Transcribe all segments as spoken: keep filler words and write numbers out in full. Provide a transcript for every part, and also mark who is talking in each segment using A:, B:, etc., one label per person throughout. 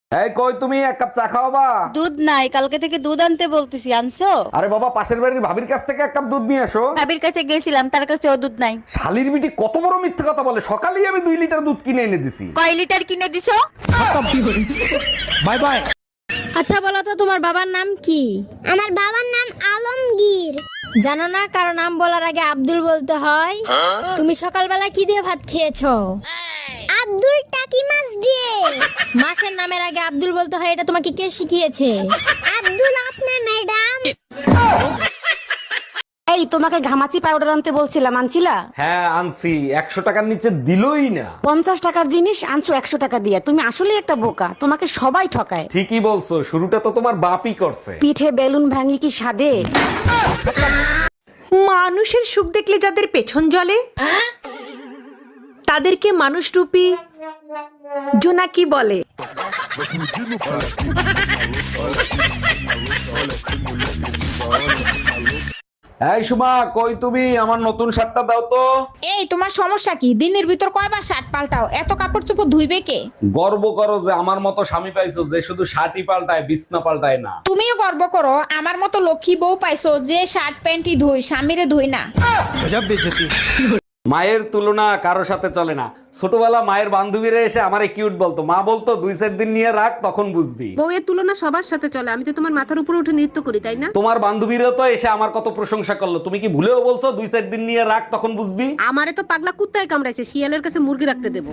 A: এই কই তুমি, এক কাপ চা খাওয়াবা?
B: দুধ নাই, কালকে থেকে দুধ আনতে বলতেছি, আনছো?
A: আরে বাবা, পাশের বাড়ির ভাবির কাছ থেকে এক কাপ দুধ নিয়ে এসো।
B: ভাবির কাছে গেছিলাম, তার কাছে ও দুধ নাই।
A: শালির বিটি কত বড় মিথ্যে কথা বলে, সকালেই আমি দুই লিটার দুধ কিনে এনে দিছি।
B: কয় লিটার কিনে দিছো?
A: Bye bye.
C: আচ্ছা বলো তো, তোমার বাবার নাম কি?
D: আমার বাবার নাম আলমগীর।
C: জানো না কারো নাম বলার আগে আব্দুল বলতে হয়? তুমি সকালবেলা কি দিয়ে ভাত খেয়েছো?
D: আব্দুল টাকি মাছ দিয়ে।
C: মাছের নামের আগে আব্দুল বলতে হয়, এটা তোমাকে কে শিখিয়েছে?
D: আব্দুল আপনার ম্যাডাম।
E: এই তোমাকে ঘামাচি পাউডার আনতে বলছিলাম, আনছিলা?
A: হ্যাঁ আনছি, একশো টাকার নিচে দিলই না।
E: পঞ্চাশ টাকার জিনিস আনছো একশো টাকা দিয়ে। তুমি আসলে একটা বোকা, তোমাকে সবাই ঠকায়।
A: ঠিকই বলছো, শুরুটা তো তোমার বাপই করছে।
E: পিঠে বেলুন ভাঙি কি সাদে?
F: মানুষের সুখ দেখলে যাদের পেছন জ্বলে তাদেরকে মানুষরূপী জোনাকি বলে।
A: এই সুমা, কই তুমি? আমার নতুন শার্টটা দাও তো।
G: এই তোমার সমস্যা কি? দিনের ভিতর কয়বার শার্ট পাল্টাও? এত কাপড় চোপড় ধুইবে কে?
A: গর্ব করো যে আমার মতো স্বামী পাইছো, যে শুধু শার্টই পাল্টায়, বিছনা পাল্টায় না।
G: তুমিও গর্ব করো আমার মতো লক্ষ্মী বউ পাইছো, যে শার্ট প্যান্টই ধুই, স্বামীরে ধুই না।
A: মায়ের তুলনা কারো সাথে চলে না। ছোটবেলা মায়ের বান্ধবীরা এসে আমারে কিউট বলতো, মা বলতো দুই চার দিন নিয়ে রাখ, তখন বুঝবি।
H: বউয়ের তুলনা সবার সাথে চলে, আমি তো তোমার মাথার উপরে উঠে নৃত্য করি, তাই না?
A: তোমার বান্ধবীরা তো এসে আমার কত প্রশংসা করলো, তুমি কি ভুলেও বলছো দুই চার দিন নিয়ে রাখ, তখন বুঝবি?
H: আমারে তো পাগলা কুত্তায় কামড়াইছে, শিয়ালের কাছে মুরগি রাখতে দেবো।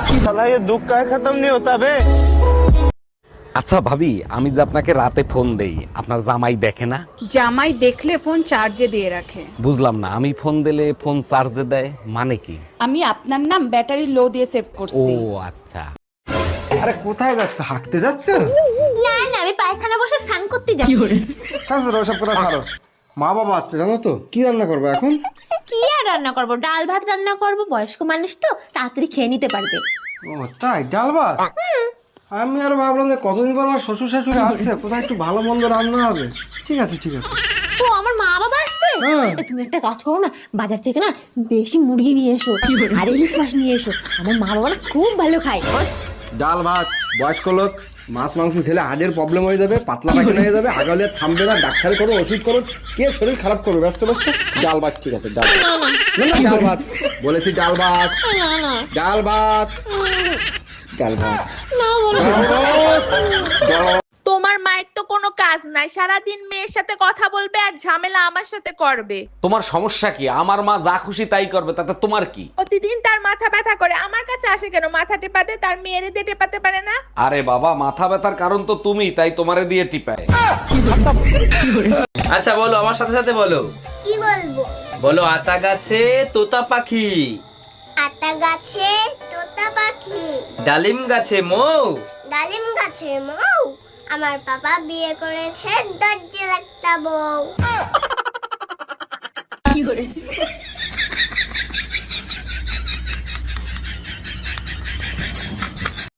A: আচ্ছা ভাবি, আমি যে আপনাকে রাতে ফোন দেই, আপনার জামাই দেখে না?
I: জামাই দেখলে ফোন চার্জে দিয়ে রাখে।
A: বুঝলাম না, আমি ফোন দিলে ফোন চার্জে দেয় মানে কি?
I: আমি আপনার নাম ব্যাটারি লো দিয়ে সেভ
A: ও
I: করছি।
A: আচ্ছা।
J: আরে কোথায় যাচ্ছে? হাঁটতে যাচ্ছে?
D: না না, আমি পায়খানা বসে স্নান করতে যাচ্ছি।
J: ছাড়ো ওসব কথা ছাড়ো। মা বাবা আছে জানো তো, কি রান্না করবে এখন?
D: কি আর রান্না করব? ডাল ভাত রান্না করব, বয়স্ক মানুষ তো তাড়াতাড়ি খেয়ে নিতে পারবে।
J: ও তাই, ডাল ভাত? আমি আর ভাবলাম যে কতদিন পর আমার শ্বশুর শাশুড়ি আসছে, কোথায় একটু ভালো মন্দ রান্না হবে। ঠিক আছে ঠিক আছে।
D: ও আমার মা বাবা আসছে? এ, তুমি একটা কাজ করো না, বাজার থেকে না বেশি মুরগি নিয়ে এসো আর ইলিশ মাছ নিয়ে এসো। আমার মা বাবা না খুব ভালো খায়।
J: ডাল ভাত, বয়স্ক লোক, মাছ মাংস খেলে হার্টের প্রবলেম হয়ে যাবে, পাতলা পায়খানা হয়ে যাবে, আগালে থামবে না, ডাক্তার করো, ওষুধ করো, কে শরীর খারাপ করবে? ব্যস্ত ব্যস্ত। ডাল ভাত ঠিক আছে, ডাল ভাত। না, না, ডাল ভাত বলেছি, ডাল ভাত, ডাল ভাত, ডাল ভাত।
G: তোমার মায়ের তো কোনো কাজ নাই, সারাদিন মেয়ের সাথে কথা বলবে আর ঝামেলা আমার সাথে করবে।
A: তোমার সমস্যা কি? আমার মা যা খুশি তাই করবে, তাতে তোমার কি?
G: প্রতিদিন তার মাথা ব্যথা করে, আমার কাছে আসে কেন? মাথা টেপাতে, তার মেয়েরে দিয়ে টেপাতে পারে না?
A: আরে বাবা, মাথা ব্যথার কারণ তো তুমি, তাই তোমারে দিয়ে টিপায়।
K: আচ্ছা বলো, আমার সাথে সাথে বলো।
D: কি বলবো?
K: বলো, আতা গাছে তোতা পাখি,
D: আতা গাছে তোতা পাখি,
K: ডালিম গাছে মৌ,
D: ডালিম গাছের মৌ। আমার বাবা বিয়ে করেছে দরজাল একটা বউ।